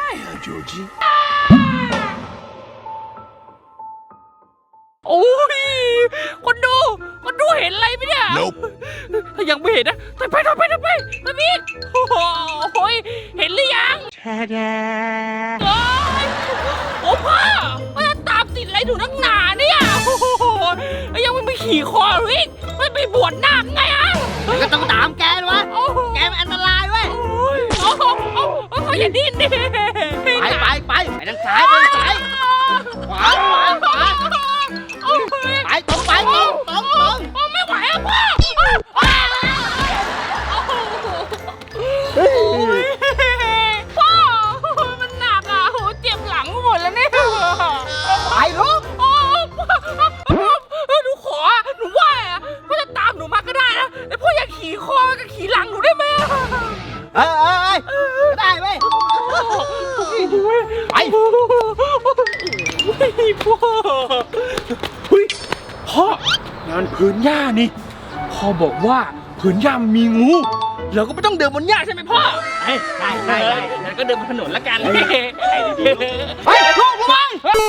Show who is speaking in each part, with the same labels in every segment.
Speaker 1: 呀，究竟？
Speaker 2: โอ้ยคนดูเห็นอะไรไหมเนี่ย
Speaker 1: Nope
Speaker 2: ถ้ายังไม่เห็นนะไปพี่โอ้ยเห็นหรือยังโอ้พ่อจะตามติดอะไรหนูนักหนาเนี่ยโอ้โหยังไม่ขี่คอหรืออีกไม่ไปบวชนาคไงอ่ะ
Speaker 3: ก็ต้องตามแกวะแกมันอันตรายเว้ย
Speaker 2: โอ้โหอย่าดิ้นดิ
Speaker 3: ไปทางซ้ายขวาไปตรง
Speaker 2: ไม่ไหวอ่ะพ่อพ่อมันหนักอ่ะโหเจ็บหลังหมดแล้วเนี่ย
Speaker 3: ไปลูก
Speaker 2: หนูขอหนูว่าพ่อจะตามหนูมาก็ได้นะแต่พ่ออยากขี่คอกับขี่หลังหนูได้ไหม
Speaker 3: ก็ได้เว้ยไป
Speaker 2: พ่องานพื้นหญ้านี่พ่อบอกว่าพื้นหญ้ามันมีงูเราก็ไม่ต้องเดินบนหญ้าใช่ไหมพ่อใช่งั้นก็เดินบนถนนละกันไปลูกไป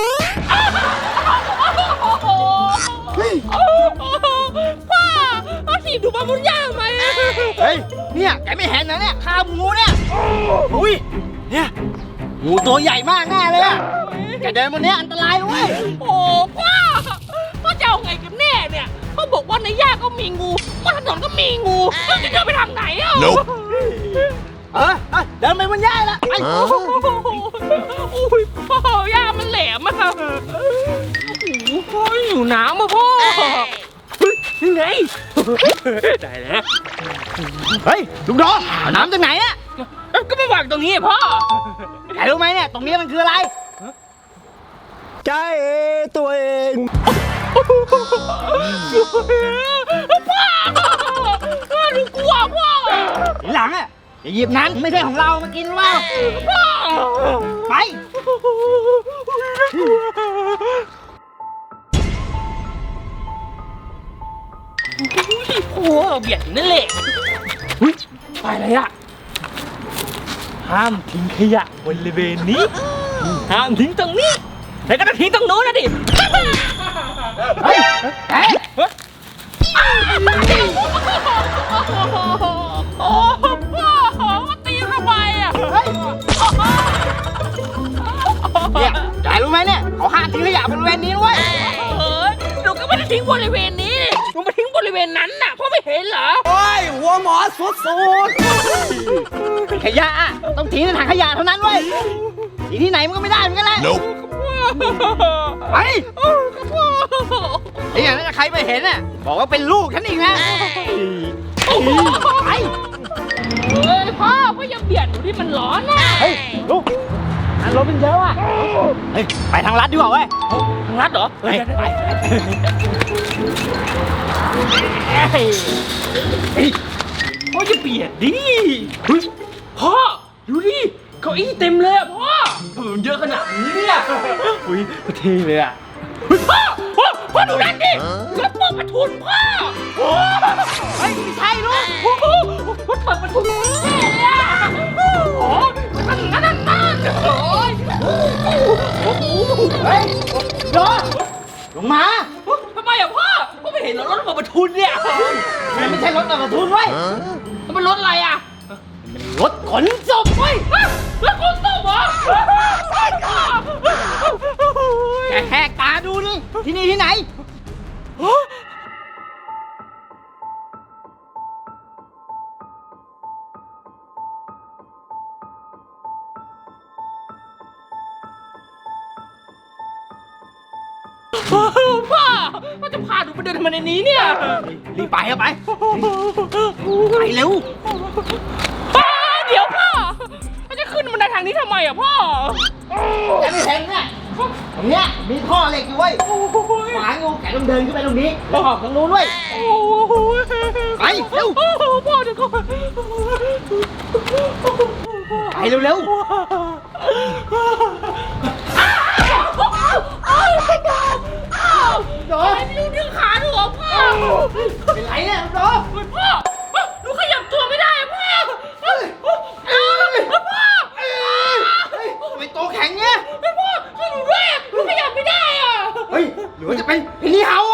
Speaker 2: พ่อถีบหนูมาบนหญ้าทำไม
Speaker 3: เฮ้ยเนี่ยแกไม่เห็นนะเนี่ยข้าวงูเนี่ยอุ้ยเนี่ยงูตัวใหญ่มากแน่เลยอะแกเดินบนนี้อันตรายเว้ย
Speaker 2: โอ้พ่อจะเอาไงกันแน่เนี่ยพ่อบอกว่าในหญ้าก็มีงูบนถนนก็มีงูเราจะเดินไปทางไหนอ่ะ
Speaker 1: Nope
Speaker 3: เดินไปบนหญ้าละไป
Speaker 2: โอ้ยพ่อย่ามันแหลมอะโอ้โหอยู่น้ำมาพ่อยังไงได้แล้ว
Speaker 3: เฮ้ยลุงดอเอาน้ำจากไหนอะ
Speaker 2: ก็มาวางตรงนี้พ่อ
Speaker 3: แกรู้ไหมเนี่ยตรงนี้มันคืออะไร
Speaker 1: ใจตัวเอง
Speaker 2: พ่อหนูกลัวพ่อ
Speaker 3: ทีหลังอะอย่าหยิบนั้นไม่ใช่ของเรามากินหรือเปล่า
Speaker 2: พ่อ
Speaker 3: ไป
Speaker 2: โอ้เบียดนั่นแหละไปเลยอะห้ามทิ้งขยะบริเวณนี้ห้ามทิ้งตรงนี้แล้วก็ต้องทิ้งตรงโน้นนะดิ
Speaker 3: เฮ้ยแก
Speaker 2: โอ้พ่อมาตีทำไมอ่ะ
Speaker 3: เฮ้ยเนี่ยแกรู้ไหมเนี่ยเขาห้ามทิ้งขยะบริเวณนี้ด้วย
Speaker 2: หนูก็ไม่ได้ทิ้งบริเวณนี้หนูมาทิ้งบริเวณนั้นน่ะพ่อไม่เห็นเหรอ
Speaker 1: โอ้ยหัวหมอสุด
Speaker 3: ขยะอะต้องทิ้งในถังขยะเท่านั้นเว้ยทิ้งที่ไหนมันก็ไม่ได้เหมือนกันแหละ
Speaker 1: Nope
Speaker 3: ไปไอ้อย่างนั้นใครไปเห็นน่ะบอกว่าเป็นลูกฉันอีกนะไป
Speaker 2: พ่ออย่าเบียดหนูที่มันร้อนนะ
Speaker 3: เฮ้ยลูกอันรถเป็นเยอะอ่ะเฮ้ยไปทางลัดดีกว่าเว้ย
Speaker 2: ทางลัดเหรอ
Speaker 3: ไป
Speaker 2: พ่ออย่าเบียดดิพ่อดูดิเก้าอี้เต็มเลยอ่ะพ่อมันเยอะขนาดนี้เนี่ยอุ้ยเท่เลยอ่ะพ่อดูนั่นดิรถเปิดประทุนพ่อเฮ้ยไม่ใช่ลูกรถเปิดประทุนเท่เลยอ่ะโอ้ยนั่นโอ้ย
Speaker 3: เฮ้ยรอลงมา
Speaker 2: ทำไมอ่ะพ่อไม่เห็นรถเปิดประทุนเนี่ย
Speaker 3: มันไม่ใช่รถกระทุนเว้ย
Speaker 2: มันเป็นรถอะไรอ่ะ
Speaker 3: รถขนศพเว้ย
Speaker 2: รถขนศพเหรอ
Speaker 3: แกแหกตาดูดิที่นี่ที่ไหน
Speaker 2: พ่อจะพาหนูไปเดินทำไมในนี้เนี่ย
Speaker 3: รีบไปเอาไปไปเร็ว
Speaker 2: เดี๋ยวพ่อจะขึ้นบันไดทางนี้ทำไมอ่ะพ่อ
Speaker 3: แกไม่เห็นเนี่ยตรงเนี้ยมีท่อเหล็กอยู่เว้ยขวางอยู่แกต้องเดินขึ้นไปตรงนี้ไปออกทางนู้นด้วยไปเร็ว
Speaker 2: พ่อเดี๋ยวก่อน
Speaker 3: ไปเร็วโด
Speaker 2: ไม่รู้ดึงขาหนูอ่ะพ่อ
Speaker 3: เป็นไรเนี่ยโด
Speaker 2: พ่อหนูขยับตัวไม่ได้อ่ะพ่อพ่อ
Speaker 3: หรือว่าจะเป็นเพนนีเฮา